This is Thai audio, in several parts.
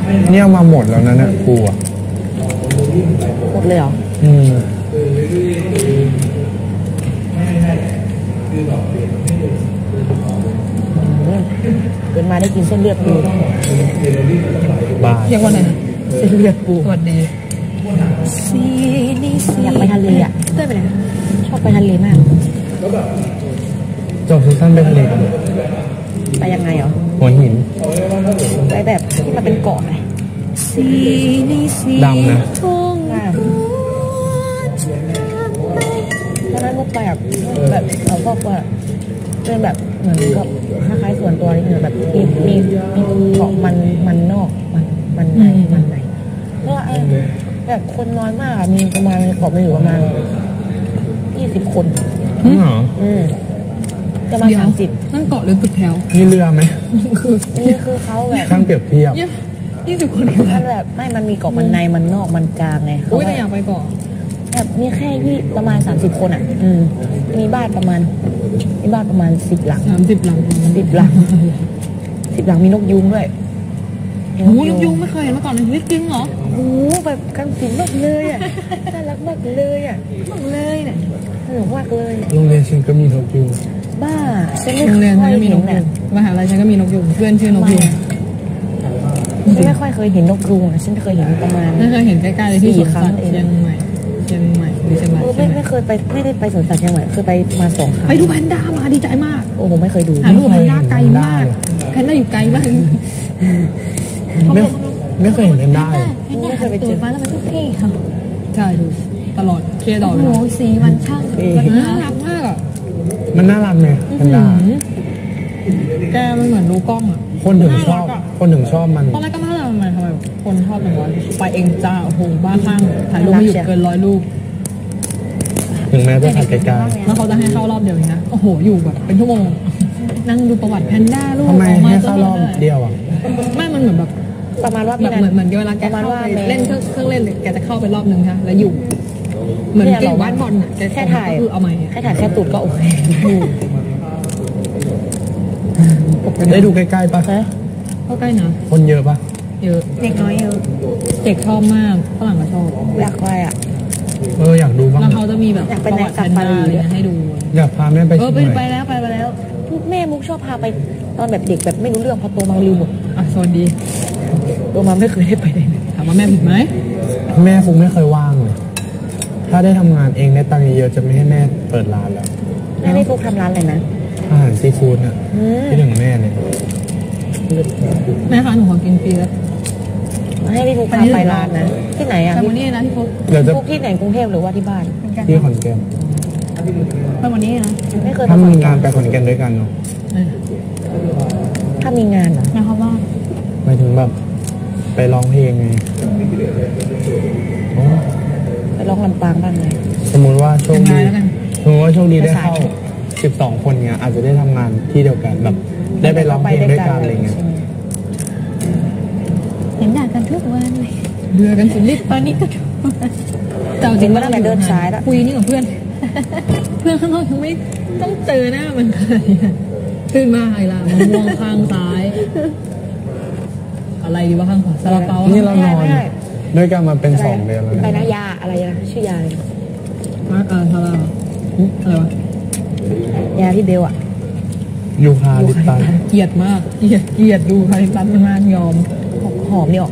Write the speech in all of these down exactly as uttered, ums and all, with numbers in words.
เนี่ยเอามาหมดแล้วนะเนี่ยกูอ่ะหมดเลยเหรออืมเกินมาได้กินเส้นเลือดปูบ้าเรียกว่าอะไรนะเส้นเลือดปูสวัสดีอยากไปทะเลอ่ะเต้ยไปไหนชอบไปทะเลมากจบซีซั่นไปทะเลกันไปยังไงเหรอหัวหินไปแบบที่มันเป็นเกาะไงดำนะตอนนั้นมุกไปแบบแบบเขาบอกว่าเป็นแบบเหมือนกับคล้ายๆส่วนตัวนี่เหมือนแบบมีมีมีเกาะมันมันนอกมันมันในมันในก็แบบคนน้อยมากมีประมาณเกาะมีอยู่ประมาณยี่สิบคนอืมอืมจะมาสามสิบนั่นเกาะหรือตึกแถวมีเรือไหมคือนี่คือเขาแบบช่างเปรียบเทียบยี่สิบคนมันแบบไม่มันมีเกาะมันในมันนอกมันกลางไงอุ้ยแต่อยากไปเกาะแบบมีแค่ที่ประมาณสามสิบคนอ่ะอืมมีบ้านประมาณมีบ้านประมาณสิบหลังสามสิบหลังสิบหลังสิบหลังมีนกยูงด้วยโอ้นกยูงไม่เคยเห็นมาก่อนเลยจริงเหรอโอ้แบบกันสินมากเลยอ่ะน่ารักมากเลยอ่ะมากเลยเนี่ยสนุกมากเลยโรงเรียนฉันก็มีนกยูงบ้าฉันไม่โรงเรียนฉันก็มีนกยูงมหาลัยฉันก็มีนกยูงเพื่อนชื่อนกยูงฉันไม่ค่อยเคยเห็นนกยูงฉันเคยเห็นประมาณไม่เคยเห็นใกล้ๆเลยที่สวนสัตว์เชียงใหม่เชียงใหม่หรือเชียงรายไม่ไม่เคยไปไม่ได้ไปสวนสัตว์เชียงใหม่เคยไปมาสองครั้งไปดูแพนด้ามาดีใจมากโอ้โหไม่เคยดูหาดูแพนด้าไกลมากแพนด้าอยู่ไกลมากไม่ไม่เคยเห็นแพนด้าไม่เคยไปเจอมาแล้วมันทุกที่ค่ะใช่ดูตลอดเคลียร์ดอกเลยโอ้สีมันช่างมันน่ารักมากอ่ะมันน่ารักไหมแพนด้าแกมันเหมือนดูกล้องอ่ะคนถึงชอบคนถึงชอบมันตอนแรกก็น่ารักมันทำไมคนชอบอย่างวะไปเองจ้าโอ้โหบ้าคลั่งถ่ายรูปไม่หยุดเกินร้อยรูปถึงแม้จะถ่ายไกลๆแล้วเขาจะให้เข้ารอบเดียวนะโอ้โหอยู่แบบเป็นชั่วโมงนั่งดูประวัติแพนด้าลูกทำไมให้เข้ารอบเดียวอ่ะไม่มันเหมือนแบบประมาณว่าแบบเหมือนเหมือนเวลาแกเข้าไปเล่นเครื่องเล่นแกจะเข้าไปรอบนึงค่ะแล้วอยู่เหมือนเก่งบ้านบอลอ่ะแค่ถ่ายคือเอาไหมแค่ถ่ายแค่ตูดก็โอเคได้ดูใกล้ๆปะเข้าใกล้นะคนเยอะปะเยอะเด็กน้อยเยอะเด็กชอบมากฝรั่งก็ชอบอยากไปอ่ะเอออยากดูบ้างแล้วเขาจะมีแบบประวัติแพนด้าอะไรให้ดูอยากพาแม่ไปเออไปแล้วไปไปแล้วแม่มุกชอบพาไปตอนแบบเด็กแบบไม่รู้เรื่องพอโตมาลืมหมดอ่ะสวัสดีโตมาไม่เคยได้ไปเลยถามว่าแม่ผิดไหมแม่ฟุกไม่เคยว่างเลยถ้าได้ทำงานเองได้ตังค์เยอะจะไม่ให้แม่เปิดร้านแล้วแม่ไม่ฟุกทำร้านอะไรนะอาหารซีฟู้ดอ่ะที่ถึงแม่เลยแม่คะหนูขอกินฟรีแล้วให้พี่ฟุกพาไปร้านนะที่ไหนอ่ะไปวันนี้นะพี่ฟุกฟุกที่ไหนกรุงเทพหรือว่าที่บ้านที่ขอนแก่นไปวันนี้นะไม่เคยถ้ามีงานไปขอนแก่นด้วยกันเนาะถ้ามีงานเหรอหมายความว่าหมายถึงแบบไปร้องเพลงไงไปร้องลำปางบ้างไงสมมติว่าโชคดีสมมติว่าโชคดีได้เข้าสิบสองคนเนี้ยอาจจะได้ทำงานที่เดียวกันแบบได้ไปร้องเพลงด้วยกันอะไรเงี้ยเห็นด่ากันทุกวันเลยเบื่อกันสุดฤทธิ์ตอนนี้ก็เจ้าจริงว่าตั้งแต่เดินสายแล้วคุยนี่กับเพื่อนเพื่อนข้างนอกยังไม่ต้องเจอหน้ามันเลยตื่นมาอะไรล่ะมะม่วงข้างซ้ายอะไรดีวะข้างขวาซาลาเปานี่เรานอนด้วยกันมาเป็นสองเดือนแล้วไปนะยาอะไรนะชื่อยาอะไรอ่าอ่าซาลาอะไรวะยาที่เบลอะยูคาลิปตัสเกลียดมากเกลียดเกลียดดูคาลิปตัสมากยอมหอมนี่ออก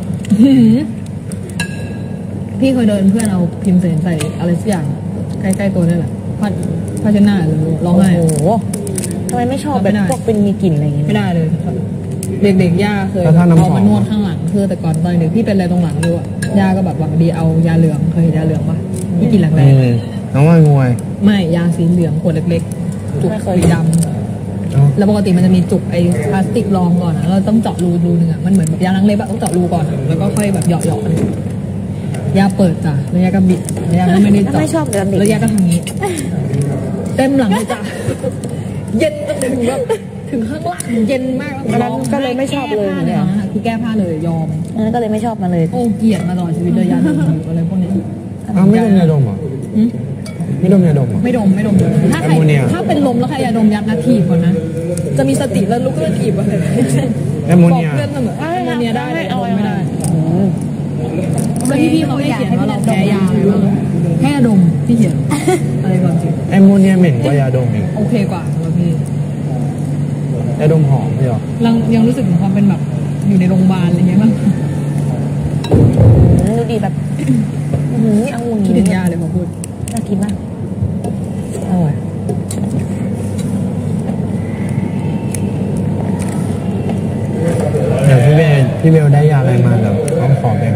พี่เคยเดินเพื่อนเอาพิมพ์เสนใส่อะไรสักอย่างใกล้ๆตัวนี่แหละพัดพัชนาหรือร้องไห้โอ้โหทำไมไม่ชอบแบบพวกเป็นมีกลิ่นอะไรอย่างเงี้ยไม่ได้เลยเด็กๆย่าเคยเอามานวดข้างหลังคือแต่ก่อนตอนเด็กพี่เป็นอะไรตรงหลังด้วยย่าก็แบบหวังดีเอายาเหลืองเคยเห็นยาเหลืองปะที่กินแรงๆน้องมวยไม่ยาสีเหลืองขวดเล็กๆจุกสีดำแล้วปกติมันจะมีจุกไอ้พลาสติกรองก่อนนะเราต้องเจาะรูรูนึงอ่ะมันเหมือนแบบยาล้างเล็บอะต้องเจาะรูก่อนแล้วก็ค่อยแบบเหยาะๆมันยาเปิดจ้ะแล้วยาก็บิดยาก็ไม่ได้เจาะไม่ชอบเลยแล้วยาก็ทำงี้เต็มหลังเลยจ้ะเย็นจนถึงแบบถึงข้างล่างเย็นมากแล้วก็เลยไม่ชอบเลยเนี่ยคือแก้ผ้าเลยยอมนั่นก็เลยไม่ชอบมาเลยโอ้เกลียดมาตลอดชีวิตเลยยาดมอะไรพวกนี้อ้าวไม่ดมยาดมเหรอไม่ดมยาดมไม่ดมไม่ดมถ้าใครถ้าเป็นลมแล้วใครยาดมยัดนาทีก่อนนะจะมีสติแล้วลุกขึ้นถีบอะไรแอมโมบอกเนียเพื่อนเสมอแอมโมเนียได้แต่เอาไม่ได้อืมแล้วพี่พี่เขาไม่เขียนว่าเราแพ้ยาอะไรบ้างแค่ดมพี่เขียนอะไรก่อนจริงแอมโมเนียเหม็นกว่ายาดมอีกโอเคกว่าแล้วพี่ยาดมหอมไม่หรอยังยังรู้สึกถึงความเป็นแบบอยู่ในโรงพยาบาลอะไรเงี้ยบ้างอืมดูดีแบบอืมนี่องุ่นคิดถึงยาเลยพอพูดน่ากินมากอร่อยเดี๋ยวพี่เบลพี่เบลได้ยาอะไรมาเดี๋ยวต้องขอแบ่ง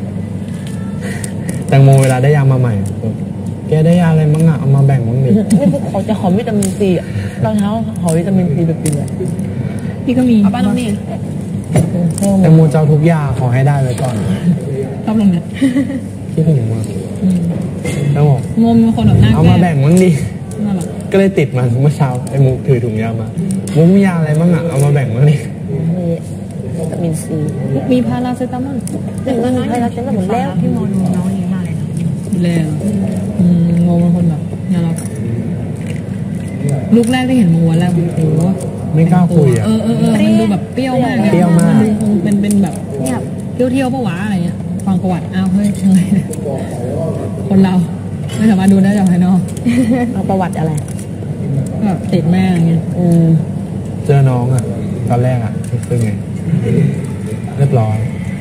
แตงโมเวลาได้ยามาใหม่แกได้ยาอะไรบ้างอะเอามาแบ่งบ้างดินี่พวกเขาจะขอวิตามินซีอ่ะตอนเช้าขอวิตามินซีแบบกินเลยพี่ก็มีเอาป้าลงนี่แตงโมเจ้าทุกยาขอให้ได้ไว้ก่อนชอบลงเนี่ยคิดถึงมากแล้วบอกงมเป็นคนแบบหน้าเอาแก้มาแบ่งบ้างดิน่ารักก็เลยติดมาเมื่อเช้าไอ้มุกถือถุงยามามุกมียาอะไรบ้างอะเอามาแบ่งบ้างดิมีวิตามินซีมีพาราเซตามอลหนึ่งน้อยให้เราเต็มไปหมดแล้วพี่โมดูน้องนี้มากเลยนะดูแลเหรออืมโมเป็นคนแบบน่ารักลูกแรกได้เห็นโมวันแรกโอ้โหไม่กล้าคุยอะเออเออเออมันดูแบบเปรี้ยวมากเปรี้ยวมากนดูคงเป็นเป็นแบบเนี่ยเที่ยวเที่ยวๆปะวะอะไรเงี้ยฟังประวัติอ้าวเฮ้ยยังไงเนี่ยคนเราไม่สามารถดูได้จากภายนอกเอาประวัติอะไรแบบติดแม่อย่างเงี้ยอืมเจอน้องอะตอนแรกอะรู้สึกไงเรียบร้อย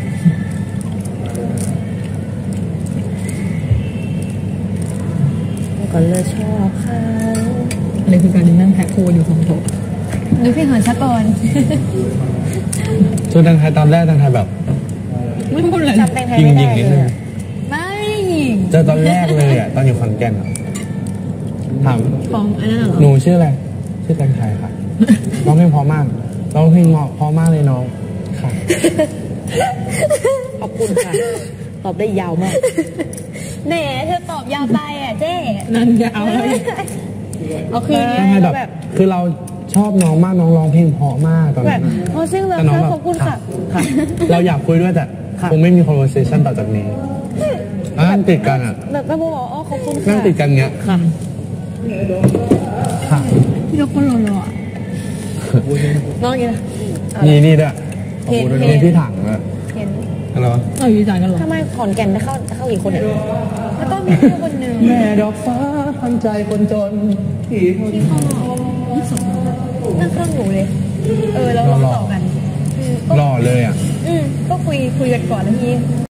ก็เลยชอบเขาอะไรคือการนั่งแพ็คโคอยู่ของโถนึกพี่เหินชักก่อนส่วนทางไทยตอนแรกทางไทยแบบไม่พูดเลยจำแตงไทยยิงไม่ยิงได้นิดเลนึยงอะไม่ยิงเจอตอนแรกเลยอะตอนอยู่ขอนแก่นอะถามของอันนั้นเหรอหนูชื่ออะไรชื่อแตงไทยค่ะร้องเพลงเพราะมากร้องเพลงเพราะมากเลยน้องค่ะขอบคุณค่ะ ตอบได้ยาวมากแหมเธอตอบยาวไปอ่ะเจ๊นั่นจะเอาอะไรเอาคืนทำไมแบบ คือเราชอบน้องมากน้องร้องเพลงเพราะมากตอนแบนั้บนโอ้ซิ่งเลยแต่น้องค่ะแบบขอบคุณค่ะค่ะ เราอยากคุยด้วยแต่ค่ะคงไม่มี conversation ต่อจากนี้นั่งติดกันอ่ะแบบแม่โมบอกอ๋อขอบคุณค่ะนั่งติดกันเงี้ยค่ะค่ะพี่ยกคนรอๆอ่ะน้องกินนะนี่นี่ด้วยขอบคุณด้วยนี่พี่ถังอะเห็นอะไรวะเอาอยู่ใจกันเหรอทำไมขอนแก่นได้เข้าเข้ากี่คนเนี่ยแล้วก็มีเพื่อนคนหนึ่งแม่ดอกฟ้าพันใจคนจนที่ที่เขานั่งข้างหนูเลย เออแล้วเราต่อกันอืมก็หล่อเลยอ่ะอืมก็คุยคุยกันก่อนแล้วที